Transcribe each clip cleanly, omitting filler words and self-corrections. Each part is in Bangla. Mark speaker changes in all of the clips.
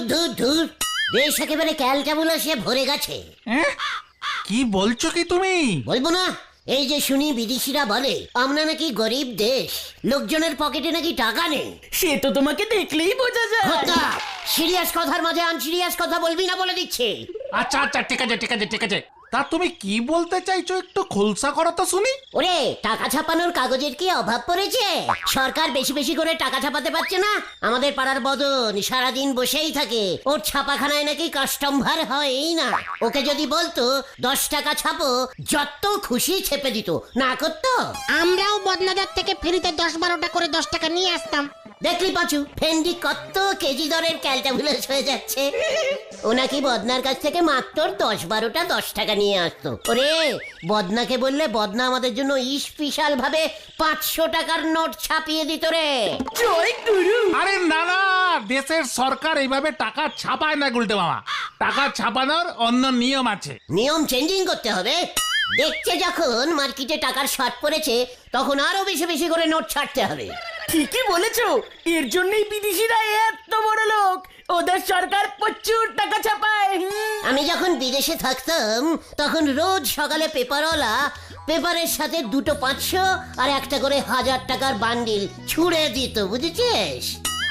Speaker 1: ধুর ধুর, দেশ একেবারে ক্যালটাবুলাসে ভরে গেছে।
Speaker 2: কি বলছো কি তুমি?
Speaker 1: বলবো না? এই যে শুনি বিদেশিরা বলে আমরা নাকি গরিব দেশ, লোকজনের পকেটে নাকি টাকা নেই।
Speaker 3: সে তো তোমাকে দেখলেই বোঝা যায়।
Speaker 1: সিরিয়াস কথার মাঝে আনসিরিয়াস কথা বলবি না বলে দিচ্ছে।
Speaker 2: আচ্ছা আচ্ছা, ঠিক আছে ঠিক আছে ঠিক আছে, তা তুমি কি বলতে চাইছো একটু খোলসা করো তো শুনি।
Speaker 1: ওরে, টাকা ছাপানোর কাগজের কি অভাব পড়েছে? সরকার বেশি বেশি করে টাকা ছাপাতে পারছে না। আমাদের পাড়ার বদন সারাদিন বসেই থাকে, ওর ছাপাখানায় নাকি কাস্টমার হয়ই না। ওকে যদি বলতো 10 টাকা ছাপো, যত খুশি ছেপে দিত, না করতো।
Speaker 4: আমরাও বদনাদার থেকে ফ্রিতে 10-12টা করে 10 টাকা নিয়ে আসতাম।
Speaker 1: দেখলি পাচু, ফেন্ডি কত কেজি দরের ক্যালটাবুলাস হয়ে যাচ্ছে। ও নাকি বদনার কাছ থেকে মাত্র 10-12টা 10 টাকা নিয়ে আসতো। ওরে, বদনাকে বললে বদনা আমাদের জন্য স্পেশাল ভাবে 500 টাকার নোট ছাপিয়ে দিত রে।
Speaker 3: জয় গুরু।
Speaker 2: আরে না না, দেশের সরকার এইভাবে টাকা ছাপায় না গুলটে মামা, টাকা ছাপানোর অন্য নিয়ম আছে।
Speaker 1: নিয়ম চেঞ্জিং করতে হবে। দেখছে যখন মার্কেটে টাকার শর্ট পড়েছে, তখন আরো বেশি বেশি করে নোট ছাড়তে হবে।
Speaker 3: ঠিকই বলেছো, এর জন্যই বিদেশিরা এত বড় লোক। ওদের সরকার প্রচুর টাকা ছাপায়।
Speaker 1: আমি যখন বিদেশে থাকতাম, তখন রোজ সকালে পেপারওয়ালা পেপারের সাথে 2টো 500 আর একটা করে 1000 টাকার বান্ডিল ছুঁড়ে দিত, বুঝেছিস?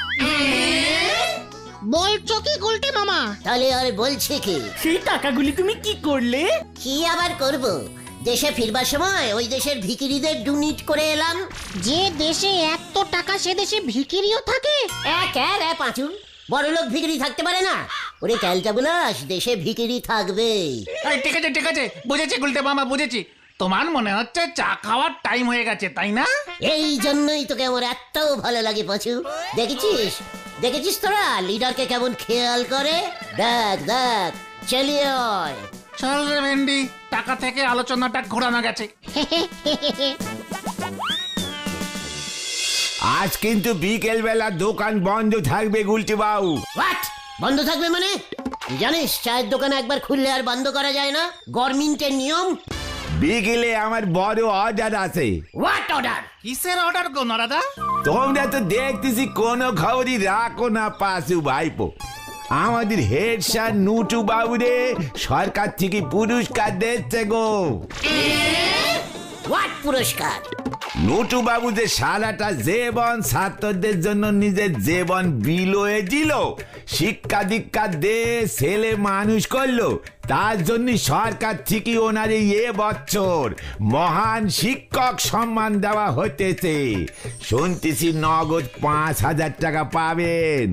Speaker 4: বলছো কি গুলটে মামা?
Speaker 1: তাহলে আর বলছে কি?
Speaker 3: সেই টাকাগুলি তুমি কি করলে?
Speaker 1: কি আবার করব, দেশে ফিরবার সময় ওই দেশের ভিখিরিদের ডোনেট করে এলাম।
Speaker 4: যে দেশে এত টাকা, সে দেশে ভিখিরিও থাকে?
Speaker 1: পাঁচু, বড়লোক ভিখিরি থাকতে পারে না? ওরে ক্যালটাবুলাস, দেশে ভিখিরি থাকবে।
Speaker 2: এই ঠিক আছে ঠিক আছে, বুঝেছি গুলটে মামা বুঝেছি। তোমার মনে হচ্ছে চা খাওয়ার টাইম হয়ে গেছে, তাই না?
Speaker 1: এই জন্যই তোকে আমার এত ভালো লাগে পাঁচু। দেখেছিস দেখেছিস তোরা লিডারকে কেমন খেয়াল করে? দেখ দেখ, চালিয়ে আয়।
Speaker 2: চল রে ভেন্ডি, টাকা থেকে আলোচনাটা ঘোরানো গেছে।
Speaker 5: আজ কিন্তু বিকেল বেলা দোকান বন্ধ থাকবে গুলটি বাবু।
Speaker 1: হোয়াট? বন্ধ থাকবে মানে? তুই জানিস চায়ের দোকান একবার খুললে আর বন্ধ করা যায় না, গভর্নমেন্টের নিয়ম।
Speaker 5: বিকেলে আমার বড় অর্ডার আছে।
Speaker 1: What order?
Speaker 2: কিসের অর্ডার গো নরাদা?
Speaker 5: তোমরা তো দেখতেছি কোনো খবরই রাখো না পাশু ভাইপো। আমাদের হেড স্যার নুটু বাবুরে সরকার থেকে পুরস্কার দিচ্ছে গো।
Speaker 1: হোয়াট পুরস্কার?
Speaker 5: নুটু বাবু যে সারাটা জীবন ছাত্রদের জন্য নিজের জীবন বিলোয়ে দিল, শিক্ষা দীক্ষা দে ছেলে মানুষ করলো, তার জন্য সরকার থেকে ওনার এ বছর মহান শিক্ষক সম্মান দেওয়া হতেছে। শুনতেছি নগদ 5,000 টাকা পাবেন।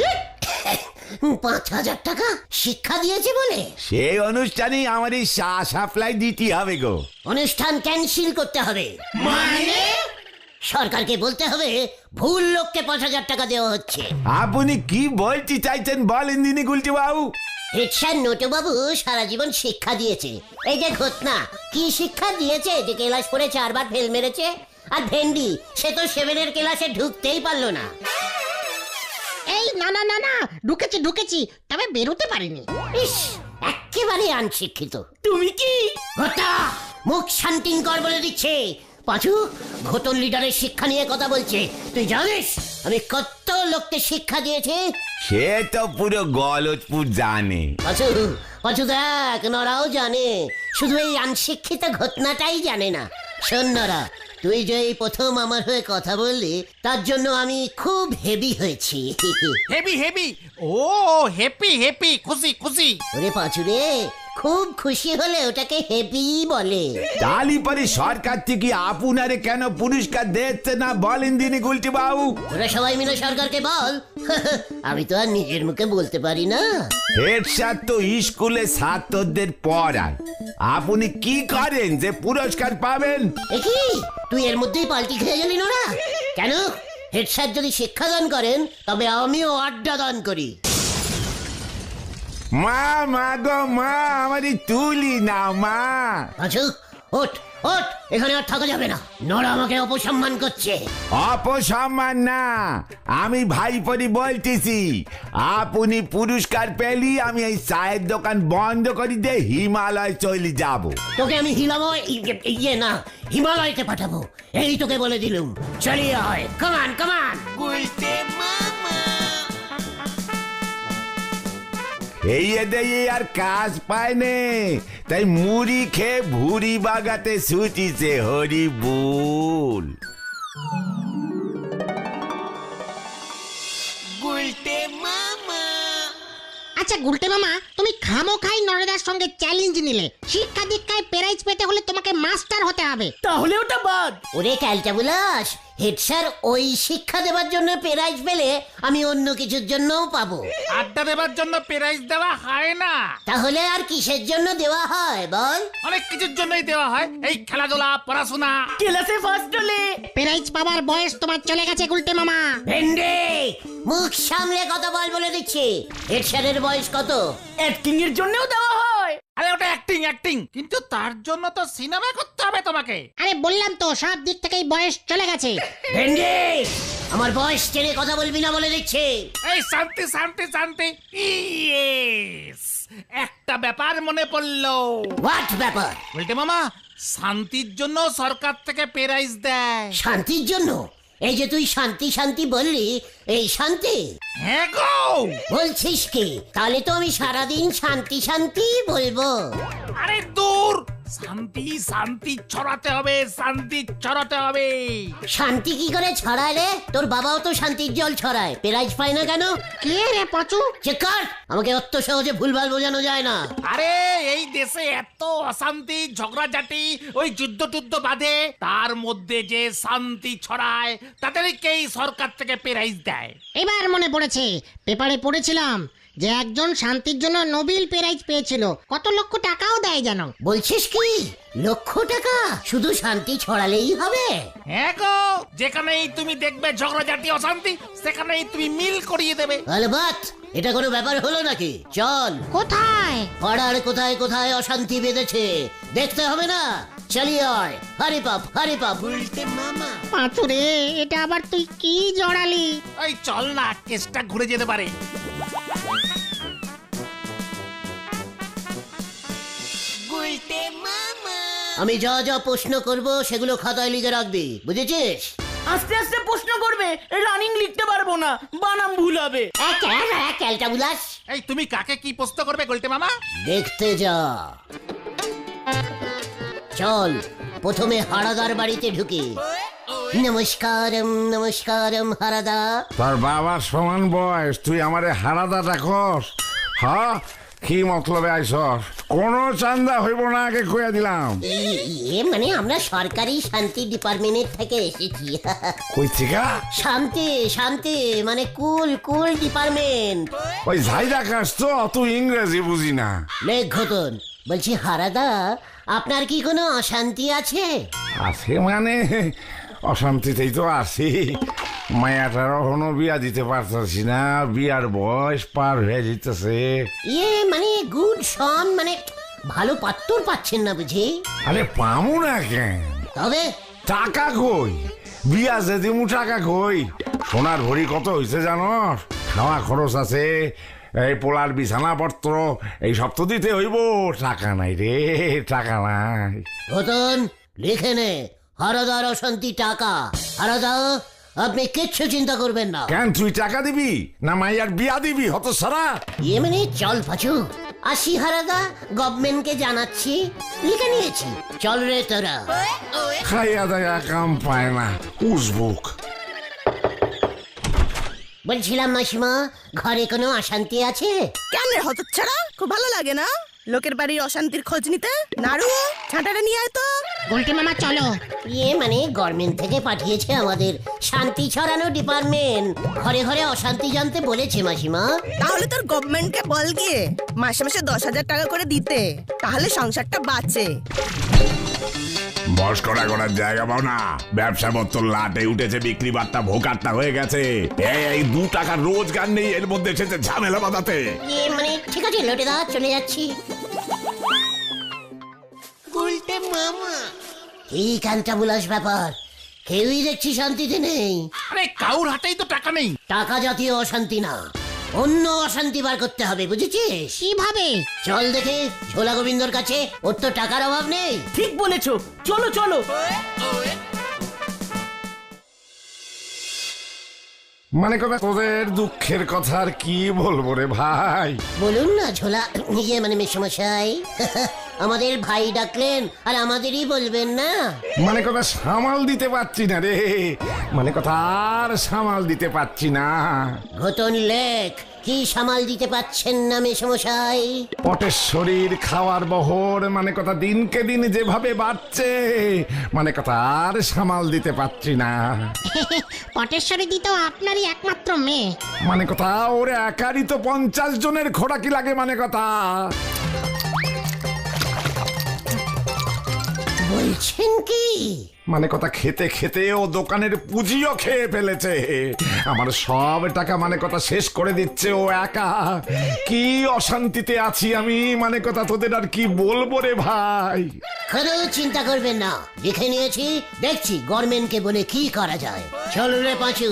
Speaker 1: 5,000 টাকা শিক্ষা দিয়েছে বলে?
Speaker 5: সেই অনুষ্ঠানেই আমার এই সাপ্লাই দিতে হবে গো।
Speaker 1: অনুষ্ঠান ক্যান্সেল করতে হবে মানে? সরকারকে বলতে হবে ভুল লোককে 5,000 টাকা দেওয়া হচ্ছে।
Speaker 5: আপনি কি বলতে চাইছেন বলেন দিনি গুলটি বাবু।
Speaker 1: হেডস্যার নটুবাবু সারা জীবন শিক্ষা দিয়েছে। এই যে ঘটনা, কি শিক্ষা দিয়েছে যে ক্লাস পড়ে 4 বার ফেল মেরেছে? আর ভেন্ডি, সে তো 7-এর ক্লাসে ঢুকতেই পারলো না।
Speaker 4: এই না না না না, ঢুকেছি, তবে বেরোতে পারিনি।
Speaker 1: ইস, একেবারে অনশিক্ষিত।
Speaker 3: তুমি কি?
Speaker 1: ঘটা, মুখ শান্তিং কর বলে দিচ্ছে। পাঁচু, ঘটন লিডারের শিক্ষা নিয়ে কথা বলছে। তুই জানিস আমি কত লোককে শিক্ষা দিয়েছি?
Speaker 5: সে তো পুরো গলতপুর জানে।
Speaker 1: পাঁচু পাঁচু দেখ, নরাও জানে, শুধু এই অনশিক্ষিত ঘটনাটাই জানে না। শোন নরা, তুই যে এই প্রথম আমার হয়ে কথা বললি, তার জন্য আমি খুব হেভি হয়েছি।
Speaker 2: Heavy heavy, oh happy happy, খুশি খুশি।
Speaker 1: ওরে পাঁচু রে, খুব খুশি হলে ওটাকে হেভি বলে।
Speaker 5: তালি পরে সরকার থেকে আপনারে কেন পুরস্কার দিচ্ছে না বলেন দিনি গুলটি বাবু।
Speaker 1: তোরা সবাই মিলে সরকারকে বল। আমি তো আর নিজের মুখে বলতে পারি না।
Speaker 5: হেড স্যার তো স্কুলে ছাত্রদের পড়ান, আপনি কি করেন যে পুরস্কার পাবেন?
Speaker 1: কি তুই এর মধ্যেই পাল্টি খেয়ে গেলি নোরা? কেন? হেড স্যার যদি শিক্ষাদান করেন, তবে আমিও আড্ডা দান করি।
Speaker 5: মা মা গো মা, আমারই তুলি না মা।
Speaker 1: আচ্ছা, ওঠ ওঠ, এখানে আর থাকা যাবে না। নোরা আমাকে অপসম্মান করছে।
Speaker 5: অপসম্মান না, আমি ভাইপরি বলতেছি। আপনি পুরস্কার পেলি আমি এই চায়ের দোকান বন্ধ করে দিয়ে হিমালয় চলে যাব।
Speaker 1: তোকে আমি ইয়ে না, হিমালয়তে পাঠাবো, এই তোকে বলে দিলুম। চলিয়ে হয়, কামান কামান।
Speaker 5: এই এদের আর কাজ পায় নে, তাই মুড়ি খেয়ে ভুড়ি বাগাতে ছুটিছে হরি বল।
Speaker 4: আচ্ছা গুলটে মামা, তুমি খামোখাই নরেদার সঙ্গে চ্যালেঞ্জ নিলে। শিক্ষা দীক্ষায় প্রাইজ পেতে হলে তোমাকে মাস্টার হতে হবে।
Speaker 3: তাহলে ওটা বাদ।
Speaker 1: ওরে ক্যালটাবুলাস, হেড স্যার ওই শিক্ষা দেওয়ার জন্য প্রাইজ পেলে আমি অন্য কিছুর জন্যও পাবো।
Speaker 2: আড্ডা দেবার জন্য প্রাইজ দেওয়া হয় না,
Speaker 1: তাহলে আর কিসের জন্য দেওয়া হয় বল?
Speaker 2: অনেক কিছুর জন্যই দেওয়া হয়, এই খেলাধুলা, পড়াশোনা।
Speaker 3: ক্লাসে ফার্স্ট হলে
Speaker 4: প্রাইজ পাবার বয়স তোমার চলে গেছে গুলটে মামা।
Speaker 1: ভেন্ডে, মুখ সামলে কথা বল বলে দিচ্ছি। হেড স্যারের বয়স কত?
Speaker 3: অ্যাক্টিং এর জন্যও দেওয়া হয়।
Speaker 2: আরে ওটা অ্যাক্টিং অ্যাক্টিং, কিন্তু তার জন্য তো সিনেমা করতে হবে তোমাকে।
Speaker 4: আরে বললাম তো সব দিক থেকেই বয়স চলে গেছে।
Speaker 1: ভেন্ডে, আমার বয়স টেনে কথা বলবি না বলে দিচ্ছি।
Speaker 2: এই শান্তি শান্তি শান্তি, ইয়েস, একটা ব্যাপার মনে পড়লো।
Speaker 1: হোয়াট ব্যাপার?
Speaker 2: বলতে মামা, শান্তির জন্য সরকার থেকে প্রাইজ দেয়।
Speaker 1: শান্তির জন্য? এই যে তুই শান্তি শান্তি বললি, এই শান্তি?
Speaker 2: হ্যাঁ গো।
Speaker 1: বলছিস কি? তাহলে তো আমি সারাদিন শান্তি শান্তি বলবো।
Speaker 2: আরে দূর, শান্তি শান্তি ছড়াতে হবে, শান্তি ছড়াতে হবে।
Speaker 1: শান্তি কি করে ছড়ায় রে? তোর বাবাও তো শান্তির জল ছড়ায়, প্রাইজ পায় না কেন?
Speaker 4: কে রে পাচু?
Speaker 1: চেক কর, আমাকে অত সহজে ভুলভাল বোঝানো যায় না।
Speaker 2: আরে এই দেশে এত অশান্তি, ঝগড়াঝাটি, ওই যুদ্ধ টুদ্ধ বাঁধে, তার মধ্যে যে শান্তি ছড়ায় তাদেরকেই সরকার থেকে প্রাইজ দেয়।
Speaker 4: এবার মনে পড়েছে, পেপারে পড়েছিলাম যে একজন শান্তির জন্য নোবেল প্রাইজ পেয়েছিল। কত লক্ষ টাকাও দেয় জানো।
Speaker 1: বলছিস কি? লক্ষ টাকা? শুধু শান্তি ছড়ালেই হবে?
Speaker 2: হ্যাঁ গো, যেখানেই তুমি দেখবে ঝগড়াঝাটি, অশান্তি, সেখানেই তুমি মিল করিয়ে দেবে।
Speaker 1: আলবাত, এটা কোনো ব্যাপার হলো নাকি? চল,
Speaker 4: কোথায়?
Speaker 1: পাড়ার কোথায় কোথায় অশান্তি বেঁধেছে দেখতে হবে না? চালিয়ে আয়, হারি পাপ হারি পাপ।
Speaker 4: পাচু রে, এটা আবার তুই কি জড়ালি?
Speaker 2: ওই চল না, কেসটা ঘুরে যেতে পারে।
Speaker 1: আমি যা যা প্রশ্ন করব সেগুলো খাতায় লিখে রাখবি, বুঝেছিস?
Speaker 3: আস্তে আস্তে প্রশ্ন করবে, রানিং লিখতে পারবো না, বানাম ভুল হবে।
Speaker 1: ক্যালটাবুলাস,
Speaker 2: এই তুমি কাকে কি প্রশ্ন করবে গোলটে মামা?
Speaker 1: দেখতে যা। চল, প্রথমে হারাদার বাড়িতে ঢুকি। নমস্কারম নমস্কারম হারাদা।
Speaker 5: তোর বাবার সমান বয়স, তুই আমারে হারাদা ডাকস? হ্যাঁ, কি মতলবে আইসস? কোন চান্দা হইব না, আগে কইয়া দিলাম।
Speaker 1: মানে আমরা সরকারি শান্তি ডিপার্টমেন্ট থেকে এসেছি।
Speaker 5: কই থেকে?
Speaker 1: শান্তি শান্তি মানে কুল কুল ডিপার্টমেন্ট।
Speaker 5: ওই ঝাইদা কাজ তো, অত ইংরেজি বুঝি না।
Speaker 1: লেখ ঘটন, বলছি হারাদা, আপনার কি কোনো অশান্তি আছে?
Speaker 5: আছে মানে অশান্তিতেই তো আছি। মায়াটার এখনো বিয়া দিতে পারতেছি না, বিয়ার বয়স পার হয়ে যেতেছে।
Speaker 1: মানে গুড সন, মানে ভালো পাত্তর পাচ্ছেন না বুঝি?
Speaker 5: আরে পামু না কেন?
Speaker 1: তবে
Speaker 5: টাকা কই? বিয়া যে দিমু, টাকা কই? সোনার ভরি কত হয়েছে জানস? খাওয়া খরচ আছে, এই পোলার বিছানাপত্র, এই সব তো দিতে হইব। টাকা নাই রে, টাকা নাই।
Speaker 1: ঘটন লিখে নে, হারাদার অশান্তি টাকা। হারাদা, আপনি কিচ্ছু চিন্তা করবেন না।
Speaker 5: কেন, তুই টাকা দিবি না মাইয়ার বিয়া দিবি? হত সারা
Speaker 1: মানে চল পাচু, আসি হারাদা, গভর্নমেন্টকে জানাচ্ছি, লিখে নিয়েছি। চল রে তোরা।
Speaker 5: খাইয়া দায়া কাম পায় না, উসবুক।
Speaker 1: বলছিলাম মাসিমা, ঘরে কোনো অশান্তি আছে?
Speaker 6: কেন রে হতচ্ছাড়া, খুব ভালো লাগে না লোকের বাড়ির অশান্তির খোঁজ নিতে? নাড়ু, ছাঁটাটা নিয়ে আয় তো।
Speaker 4: গুলটে মামা চলো।
Speaker 1: মানে গভর্নমেন্ট থেকে পাঠিয়েছে আমাদের শান্তি ছড়ানো ডিপার্টমেন্ট, ঘরে ঘরে অশান্তি জানতে বলেছে মাসিমা।
Speaker 6: তাহলে তোর গভর্নমেন্টকে বল গিয়ে মাসে মাসে 10,000 টাকা করে দিতে, তাহলে সংসারটা বাঁচে।
Speaker 5: বস করা করার জায়গা পাও না, ব্যবসা পত্র লাটে উঠেছে, বিক্রি বার্তা ভোকারটা হয়ে গেছে। এই 2 টাকার রোজগার নেই, এর মধ্যে এসেছে ঝামেলা বাঁধাতে।
Speaker 1: মানে ঠিক আছে লোটেদা, চলে যাচ্ছি। এই ক্যালটাবুলাস ব্যাপার, কেউই দেখছি শান্তিতে নেই।
Speaker 2: আরে কাউর হাতেই তো টাকা নেই।
Speaker 1: টাকা জাতীয় অশান্তি না, অন্য অশান্তি বার করতে হবে, বুঝেছিস?
Speaker 4: কিভাবে?
Speaker 1: চল দেখে ঝোলা গোবিন্দর কাছে, ওর তো টাকার অভাব নেই।
Speaker 3: ঠিক বলেছো, চলো চলো।
Speaker 7: মানে কথা তোদের দুঃখের কথা আর কি বলবো রে ভাই।
Speaker 1: বলুন না ঝোলা ইয়ে মানে মেসমশাই আমাদের ভাই ডাকলেন আর আমাদেরই বলবেন না।
Speaker 7: মানে কথা সামাল দিতে পারছি না রে, মানে কথা আর সামাল দিতে পারছি না।
Speaker 1: ঘটন লেখ কি সামাল দিতে পাচ্ছেন না মেসমশাই?
Speaker 7: পটের শরীর খাওয়ার বহর মানে কথা দিনকে দিন যেভাবে বাড়ছে, মানে কথা আর সামাল দিতে পারছি না।
Speaker 4: পটেশ্বরী দি তো আপনারই একমাত্র মেয়ে।
Speaker 7: মানে কথা ওর একারই তো 50 জনের খোরাকি লাগে, মানে কথা।
Speaker 1: বলছেন কি?
Speaker 7: মানে কথা খেতে খেতে ও দোকানের পুঁজিও খেয়ে ফেলেছে। আমার সব টাকা মানে কথা শেষ করে দিচ্ছে ও একা। কি অশান্তিতে আছি আমি, মানে কথা তোদের আর কি বলবো রে ভাই।
Speaker 1: কোনো চিন্তা করবেন না, লিখে নিয়েছি, দেখছি গভর্নমেন্টকে বলে কি করা যায়। চল রে পাঁচু।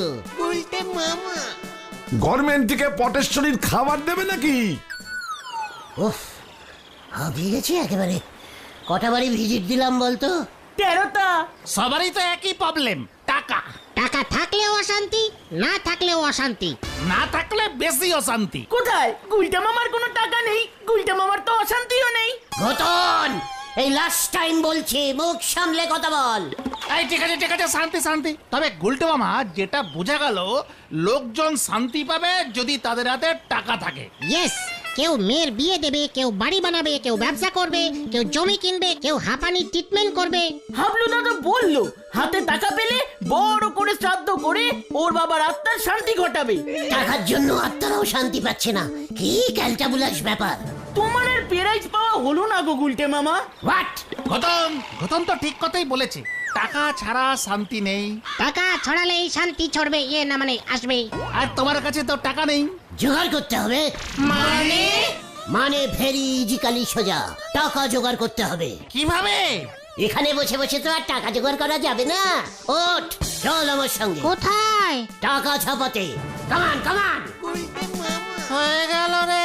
Speaker 7: গভর্নমেন্ট থেকে পটেশ্বরীর খাবার দেবে নাকি?
Speaker 1: উফ, হাঁপিয়ে গেছি একেবারে। কটা বাড়ি ভিজিট দিলাম বলতো?
Speaker 3: 13টা।
Speaker 2: সবারই তো একই প্রবলেম, টাকা।
Speaker 4: টাকা থাকলেও অশান্তি, না থাকলেও অশান্তি।
Speaker 2: না থাকলে বেশি অশান্তি।
Speaker 3: কোথায়? গুলটা মামার কোনো টাকা নেই, গুলটা মামার তো অশান্তিও নেই।
Speaker 1: ঘটন, এই লাস্ট টাইম বলছি, মুখ সামলে কথা বল।
Speaker 2: এই ঠিক আছে ঠিক আছে, শান্তি শান্তি। তবে গুলটে মামা যেটা বোঝা গেল, লোকজন শান্তি পাবে যদি তাদের হাতে টাকা থাকে।
Speaker 4: ইয়েস, কেউ মেয়ের বিয়ে দেবে, কেউ বাড়ি বানাবে, কেউ ব্যবসা করবে, কেউ জমি কিনবে, কেউ হাঁপানি ট্রিটমেন্ট করবে।
Speaker 3: হাবলু দাদা বললো হাতে টাকা পেলে বড় করে শ্রাদ্ধ করে ওর বাবার আত্মার শান্তি ঘটাবে।
Speaker 1: টাকার জন্য আত্মারাও শান্তি পাচ্ছে না, কি ক্যালটাবুলাস ব্যাপার।
Speaker 3: তোমার আর প্রাইজ পাওয়া হলো না গো গুলটে মামা।
Speaker 1: হোয়াট?
Speaker 2: ঘটন ঘটন তো ঠিক কথাই বলেছে, টাকা ছাড়া শান্তি নেই।
Speaker 4: টাকা ছড়ালেই শান্তি ছড়বে, ইয়ে না মানে আসবে।
Speaker 2: আর তোমার কাছে তো টাকা নেই।
Speaker 1: জোগাড় করতে হবে।
Speaker 3: মানে?
Speaker 1: মানে ভেরি ইজিক্যালি সোজা, টাকা জোগাড় করতে হবে।
Speaker 2: কিভাবে?
Speaker 1: এখানে বসে বসে তো আর টাকা জোগাড় করা যাবে না। ওঠ, চল আমার সঙ্গে
Speaker 4: কোথায়?
Speaker 1: টাকা ছাপাতে। কামান কামান।
Speaker 2: হয়ে গেল রে।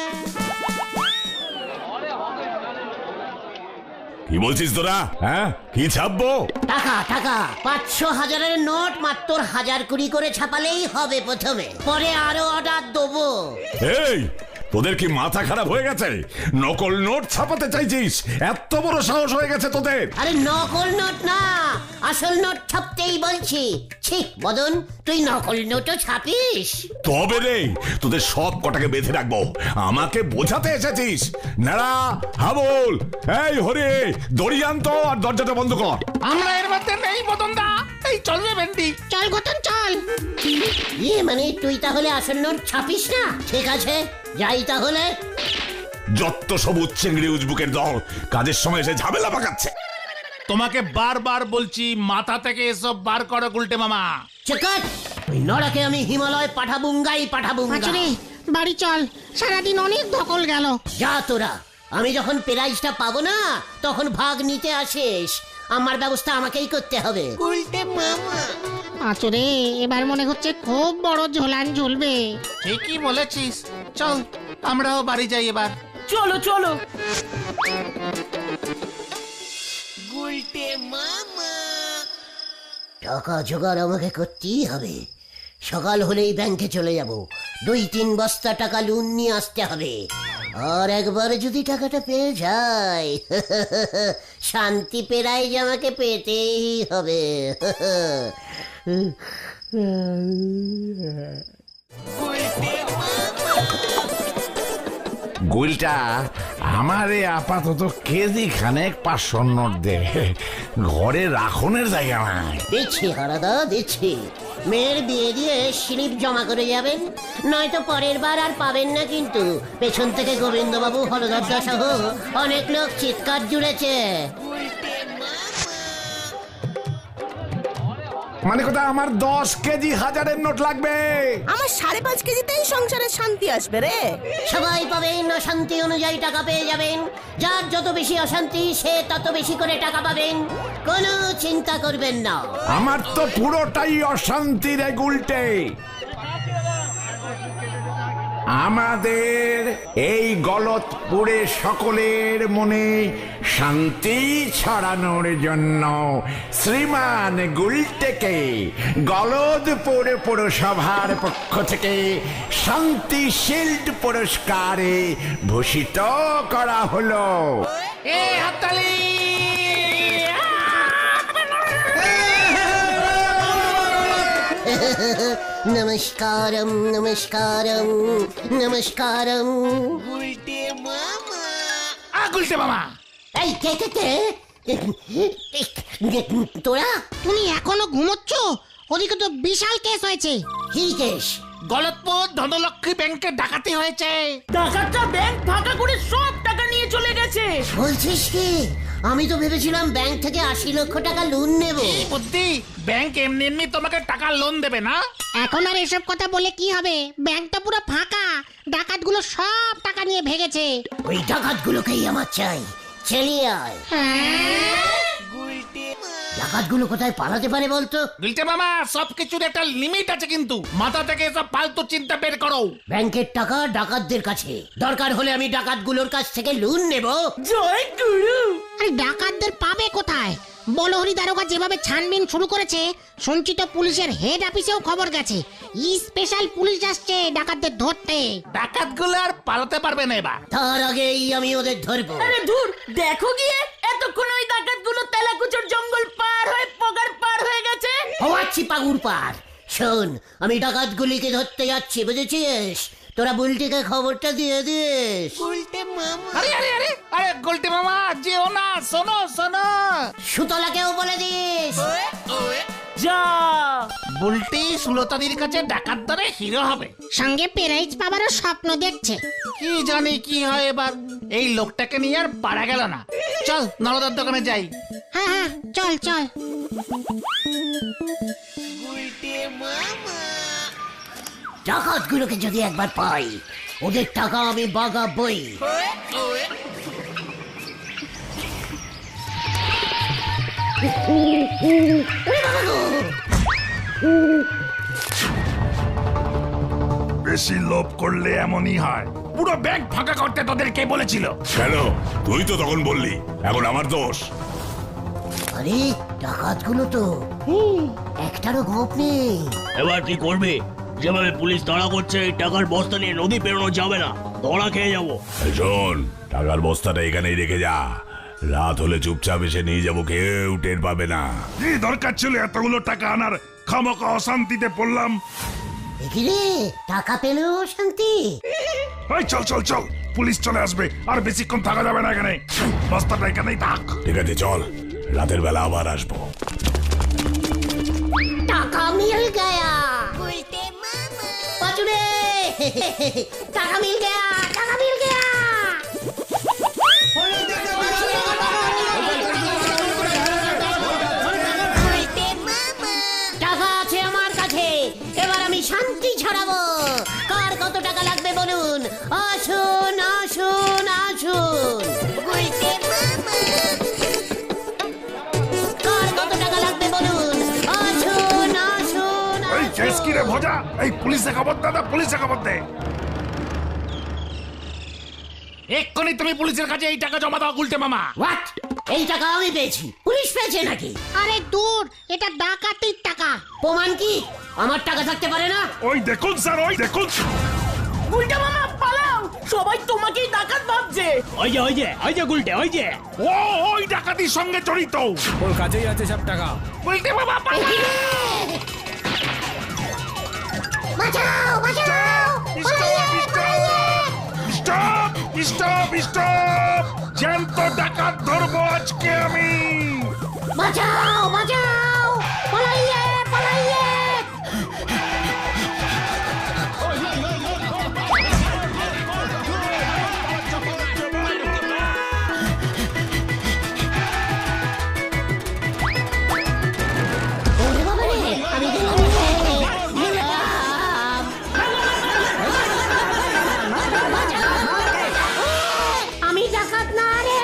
Speaker 5: কি বলছিস তোরা? হ্যাঁ, কি ছাপবো?
Speaker 1: টাকা টাকা 500,000-এর নোট মাত্র 1020 করে ছাপালেই হবে প্রথমে, পরে আরো অর্ডার দেবো।
Speaker 5: এই, তোদের কি মাথা খারাপ হয়ে গেছে? নকল নোট ছাপাতে চাইছিস? এত বড় সাহস হয়ে গেছে তোদের?
Speaker 1: আরে নকল নোট না, আসল নোট ছাপতেই বলছি। ছি মদন, তুই নকল নোটও ছাপিস?
Speaker 5: তবে রে, তোদের সব কটাকে বেঁধে রাখবো। আমাকে বোঝাতে এসেছিস? নাড়া, হাবল, এই হরে, দড়ি আনতো আর দরজাটা বন্ধ কর।
Speaker 2: আমরা এর মধ্যে নেই মদন দা। এই চল রে ভেন্ডি।
Speaker 4: চল গতন চল।
Speaker 1: ইয়ে মানে তুই তাহলে আসল নোট ছাপিস না? ঠিক আছে, যাই তাহলে।
Speaker 5: যত সবুজ চিংড়ি উজবুকের দল কাজের সময় এসে ঝামেলা পাকাচ্ছে।
Speaker 2: তোমাকে বারবার বলছি, মাথা থেকে এসব বার করো গুলটে মামা।
Speaker 1: চেকাট, ওই নড়াকে আমি হিমালয় পাঠাবুঙ্গাই পাঠাবুঙ্গা।
Speaker 4: পাঁচুরে বাড়ি চল, সারাদিন অনেক ধকল গেল।
Speaker 1: যা তোরা, আমি যখন প্রাইজটা পাবো না তখন ভাগ নিতে আসিস। আমার ব্যবস্থা আমাকেই করতে হবে।
Speaker 4: পাঁচুরে এবার মনে হচ্ছে খুব বড় ঝোলান ঝুলবে।
Speaker 2: ঠিকই বলেছিস, চল আমরাও বাড়ি যাই এবার।
Speaker 3: চলো চলো।
Speaker 1: টাকা জোগাড় আমাকে করতেই হবে। সকাল হলেই ব্যাংকে চলে যাব, 2-3 বস্তা টাকা লোন নিয়ে আসতে হবে। আর একবার যদি টাকাটা পেয়ে যাই শান্তি পেরাই আমাকে পেতেই হবে।
Speaker 7: গুলটা আমারে আপাতত কেজি খানেক 500 নোট দে, ঘরে রাখনের জায়গা নাই।
Speaker 1: দিচ্ছি হারাদা, দিচ্ছি। মেয়ের বিয়ে দিয়ে স্লিপ জমা করে যাবেন, নয়তো পরের বার আর পাবেন না কিন্তু। পেছন থেকে গোবিন্দবাবু, হলদরদা সহ অনেক লোক চিৎকার জুড়েছে।
Speaker 7: মানে কথা আমার 10 কেজি 1000-এর নোট লাগবে।
Speaker 6: আমার 5.5 কেজিতেই সংসারে শান্তি আসবে রে।
Speaker 1: সবাই পাবেন, অশান্তি অনুযায়ী টাকা পেয়ে যাবেন। যার যত বেশি অশান্তি সে তত বেশি করে টাকা পাবেন, কোনো চিন্তা করবেন না।
Speaker 7: আমার তো পুরোটাই অশান্তি রে গুলটে।
Speaker 5: আমাদের এই গলতপুরে সকলের মনে শান্তি ছড়ানোর জন্য শ্রীমান গুলটেকে গলতপুর পৌরসভার পক্ষ থেকে শান্তি শিল্ড পুরস্কারে ভূষিত করা হলো।
Speaker 2: এ হাততালি!
Speaker 1: নমস্কারম নমস্কারম নমস্কারম।
Speaker 2: গুলটে মামা,
Speaker 1: এই কে কে কে তোরা
Speaker 4: তুমি এখনো ঘুমোচ্ছ? ওদিকে তো বিশাল কেস হয়েছে।
Speaker 1: কি কেস?
Speaker 2: গলতপুর ধনলক্ষ্মী ব্যাংকে ডাকাতি হয়েছে।
Speaker 3: ডাকাতরা ব্যাংক ফাঁকা করে সব টাকা নিয়ে চলে গেছে।
Speaker 1: বলছিস কি? আমি তো ভেবেছিলাম ব্যাংক থেকে 80 লক্ষ টাকা লোন নেব।
Speaker 2: এই বুদ্ধি, ব্যাংক এমনি এমনি তোমাকে টাকা লোন দেবে না।
Speaker 4: এখন আর এসব কথা বলে কি হবে? ব্যাংকটা পুরো ফাঁকা, ডাকাতগুলো সব টাকা নিয়ে ভেগেছে।
Speaker 1: ওই ডাকাতগুলোকেই আমার চাই। চালিয়ে আয়। ডাকাতগুলো কোথায় পালাতে পারে বলতো?
Speaker 2: গুলটে মামা, সবকিছুর একটা লিমিট আছে কিন্তু। মাথা থেকে সব ফালতু চিন্তা বের করো।
Speaker 1: ব্যাংকের টাকা ডাকাতদের কাছে, দরকার হলে আমি ডাকাতগুলোর কাছ থেকে লোন নেব।
Speaker 3: জয় গুরু।
Speaker 4: আরে ডাকাতদের পাবে কোথায়? বলহরি দারোগা যেভাবে ছানবিন শুরু করেছে, সঞ্চিত পুলিশের হেড অফিসেও খবর গেছে। স্পেশাল পুলিশ আসছে ডাকাতদের ধরতে।
Speaker 2: ডাকাতগুলো আর পালাতে পারবে না এবার।
Speaker 1: তার আগেই আমি ওদের ধরবো।
Speaker 3: আরে ধুর, দেখো গিয়ে এতক্ষণ ওই ডাকাতগুলো তেলাকুচর জঙ্গল পার হয়ে পগার পার হয়ে গেছে।
Speaker 1: হওয়াচ্ছি পাগুর পার। শোন, আমি ডাকাতগুলিকে ধরতে যাচ্ছি, বুঝেছিস? তোরা বুলটিকে খবরটা দিয়ে দিস।
Speaker 2: আরে আরে আরে আরে গুলটে মামা, যেও না, শোনো শোনো।
Speaker 1: সুতলাকেও বলে দিস।
Speaker 3: যা।
Speaker 2: বুলটি সুলতাদির কাছে ডাকাত ধরে হিরো হবে।
Speaker 4: সঙ্গে প্রাইজ পাবারও স্বপ্ন দেখছে।
Speaker 2: কি জানি কি হয় এবার। এই লোকটাকে নিয়ে আর পারা গেল না। চল নরদার দোকানে যাই।
Speaker 4: হ্যাঁ হ্যাঁ, চল চল।
Speaker 1: ডাকাতগুলোকে যদি একবার পাই, ওদের টাকা আমি বাগাবই।
Speaker 8: বেশি লোভ করলে এমনই হয়।
Speaker 2: পুরো ব্যাংক ফাঁকা করতে তোদের কে বলেছিল?
Speaker 8: কেন? তুই তো তখন বললি, এখন আমার দোষ।
Speaker 1: আরে ডাকাতগুলো তো একটারও গোপ নেই।
Speaker 9: এবার কি করবে? যেভাবে পুলিশ তাড়া করছে, এই টাকার বস্তা নিয়ে নদী পেরোনো যাবে না, ধরা খেয়ে যাবো।
Speaker 8: এই শোন, টাকার বস্তাটা এখানেই রেখে যা। রাত হলে চুপচাপ এসে নিয়ে যাবো, কেউ টের পাবে না। কি দরকার ছিল এতগুলো টাকা আনার? খামোকা অশান্তিতে পড়লাম।
Speaker 1: দেখি রে, টাকা পেলেও শান্তি।
Speaker 8: এই চল চল চল, পুলিশ চলে আসবে, আর বেশিক্ষণ থাকা যাবে না এখানে। বস্তাটা এখানেই থাক। ঠিক আছে চল, রাতের বেলা আবার আসবো।
Speaker 1: টাকা মিল গয়া। পাচুরে, টাকা মিল গয়া, টাকা মিল গয়া। টাকা আছে আমার কাছে, এবার আমি শান্তি ছড়াবো। কার কত টাকা লাগবে বলুন? আসুন আসুন আসুন। কার কত টাকা লাগবে বলুন? আসুন আসুন।
Speaker 8: এই কেস কি রে ভজা? এই পুলিশে খবর দে, পুলিশে খবর দে।
Speaker 2: এক্ষুনি তুমি পুলিশের কাছে এই টাকা জমা দাও গুলটে মামা।
Speaker 1: হোয়াট? এই টাকা আমি পেয়েছি? পুলিশ পেয়েছে নাকি?
Speaker 4: আরে দূর, এটা ডাকাতির টাকা।
Speaker 1: প্রমাণ কি? আমার টাকা থাকতে পারে না?
Speaker 8: ওই দেখুন স্যার, ওই দেখুন।
Speaker 3: উল্টা মামা পালাও, সবাই তোমাকেই ডাকাত ভাবছে।
Speaker 9: ওই যে ওই যে ওই যে গুলটে, ওই যে।
Speaker 8: ও ওই ডাকাতির সঙ্গে জড়িত।
Speaker 10: ওর কাছেই আছে সব টাকা।
Speaker 2: গুলটে মামা পালা!
Speaker 1: বাঁচাও বাঁচাও।
Speaker 8: Stop stop stop! জ্যান্ত ডাকাত ধরবো আজকে আমি।
Speaker 1: বাঁচাও বাঁচাও। পালাইয়ে পালাইয়ে। ওরে বাবা রে, আমি গেলাম রে, গেলাম। আমি ডাকাত না রে।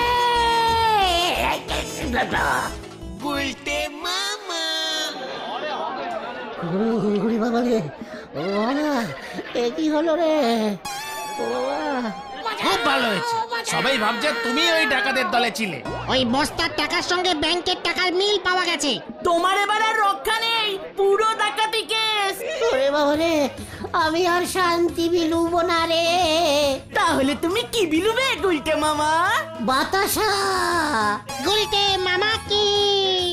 Speaker 1: ওরে বাবা রে, ও বাবা, এ কি হলো রে?
Speaker 2: খুব ভালো হয়েছে, সবাই ভাবছে তুমি ওই ডাকাতের দলে ছিলে।
Speaker 4: ওই বস্তার টাকার সঙ্গে ব্যাংকের টাকার মিল পাওয়া গেছে।
Speaker 3: তোমার এবার আর রক্ষা নেই, পুরো ডাকাতি কেস।
Speaker 1: ওরে বাবা রে, আমি আর শান্তি বিলুব না রে।
Speaker 3: তাহলে তুমি কি বিলুবে গুলটে মামা?
Speaker 1: বাতাসা।
Speaker 4: গুলটে মামা কি